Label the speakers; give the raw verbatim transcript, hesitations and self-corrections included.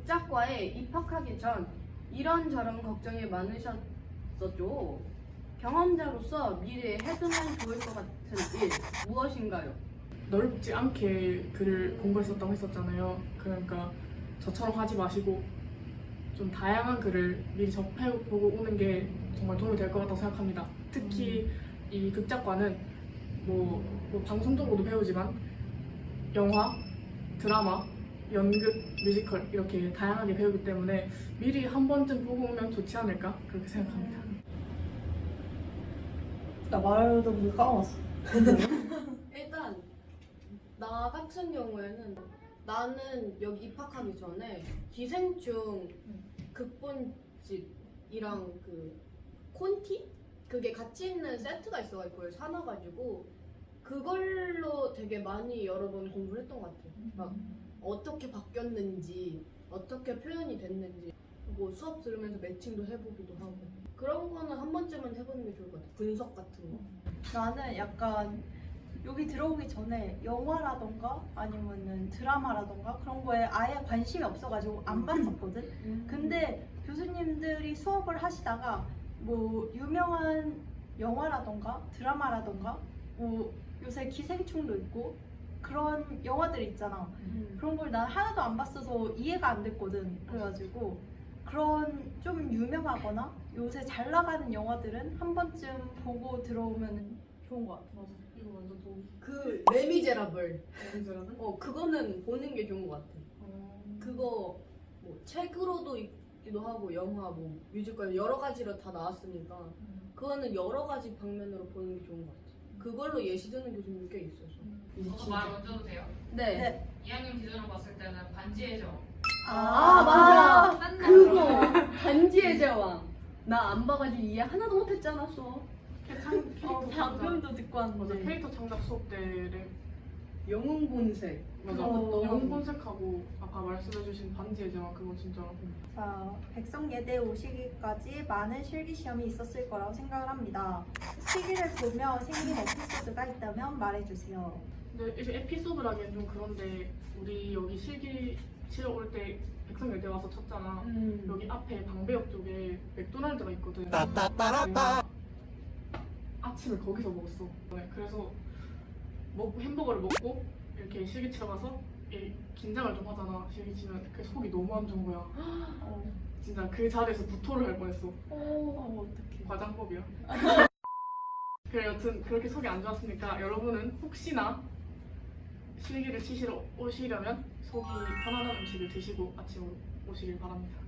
Speaker 1: 극작과에 입학하기 전 이런저런 걱정이 많으셨었죠. 경험자로서 미래에 해두면 좋을 것 같은 일 무엇인가요?
Speaker 2: 넓지 않게 글을 공부했었다고 했었잖아요. 그러니까 저처럼 하지 마시고 좀 다양한 글을 미리 접해보고 오는 게 정말 도움이 될 것 같다고 생각합니다. 특히 이 극작과는 뭐, 뭐 방송적으로도 배우지만 영화, 드라마, 연극, 뮤지컬 이렇게 다양하게 배우기 때문에 미리 한 번쯤 보고 오면 좋지 않을까 그렇게 생각합니다.
Speaker 3: 나 말하던 거 까먹었어.
Speaker 1: 일단 나 같은 경우에는 나는 여기 입학하기 전에 기생충 극본집이랑 그 콘티? 그게 같이 있는 세트가 있어가지고 그걸 사놔가지고 그걸로 되게 많이 여러 번 공부를 했던 것 같아. 막 어떻게 바뀌었는지 어떻게 표현이 됐는지 뭐 수업 들으면서 매칭도 해보기도 하고 그런 거는 한 번쯤은 해보는 게 좋을 것 같아. 분석 같은 거.
Speaker 3: 나는 약간 여기 들어오기 전에 영화라던가 아니면은 드라마라던가 그런 거에 아예 관심이 없어가지고 안 봤었거든. 근데 교수님들이 수업을 하시다가 뭐 유명한 영화라던가 드라마라던가 뭐 요새 기생충도 있고 그런 영화들 있잖아. 그런 걸 난 하나도 안 봤어서 이해가 안 됐거든. 그래가지고 그런 좀 유명하거나 요새 잘 나가는 영화들은 한 번쯤 보고 들어오면 좋은 것 같아.
Speaker 2: 맞아. 이거 완전 도움.
Speaker 1: 그 레미제라블.
Speaker 2: 레미제라블?
Speaker 1: 어 그거는 보는 게 좋은 것 같아.
Speaker 2: 어...
Speaker 1: 그거 뭐 책으로도 있기도 하고 영화 뭐 뮤지컬 여러 가지로 다 나왔으니까 그거는 여러 가지 방면으로 보는 게 좋은 것 같아. 그걸로 예시 드는 교수님도 꽤 있어서. 이제
Speaker 4: 저도 말 먼저 해도 돼요?
Speaker 1: 네.
Speaker 3: 네.
Speaker 4: 이 학년 기준으로 봤을 때는 반지의 제왕.
Speaker 1: 아, 맞아.
Speaker 4: 맨날
Speaker 1: 그거 반지의 제왕. 나 안 봐가지고 이해 하나도 못했잖아 수업.
Speaker 2: 캐릭터
Speaker 3: 어,
Speaker 2: 창작.
Speaker 3: 방금도 듣고
Speaker 2: 맞아.
Speaker 3: 왔는데.
Speaker 2: 캐릭터 창작 수업 때를
Speaker 1: 영웅 본색.
Speaker 2: 맞아.
Speaker 3: 어.
Speaker 2: 영웅 본색하고 아까 말씀해주신 반지의 제왕 그거 진짜
Speaker 3: 자, 백성예대 오시기까지 많은 실기시험이 있었을 거라고 생각을 합니다. 시기를 보며 생긴 에피소드가 있다면 말해주세요.
Speaker 2: 근데 이제 에피소드라기엔 좀 그런데 우리 여기 실기 치러 올 때 백성여대 와서 쳤잖아.
Speaker 1: 음.
Speaker 2: 여기 앞에 방배역 쪽에 맥도날드가 있거든. 내가 아침을 거기서 먹었어. 네, 그래서 먹, 햄버거를 먹고 이렇게 실기 치러 가서 이 긴장을 좀 하잖아. 실기 치면 그 속이 너무 안 좋은 거야.
Speaker 3: 어,
Speaker 2: 진짜 그 자리에서 구토를 할 뻔했어.
Speaker 3: 어 어떡해.
Speaker 2: 과장법이야. 그래 여튼 그렇게 속이 안 좋았으니까 여러분은 혹시나 실기를 치시러 오시려면 속이 편안한 음식을 드시고 아침으로 오시길 바랍니다.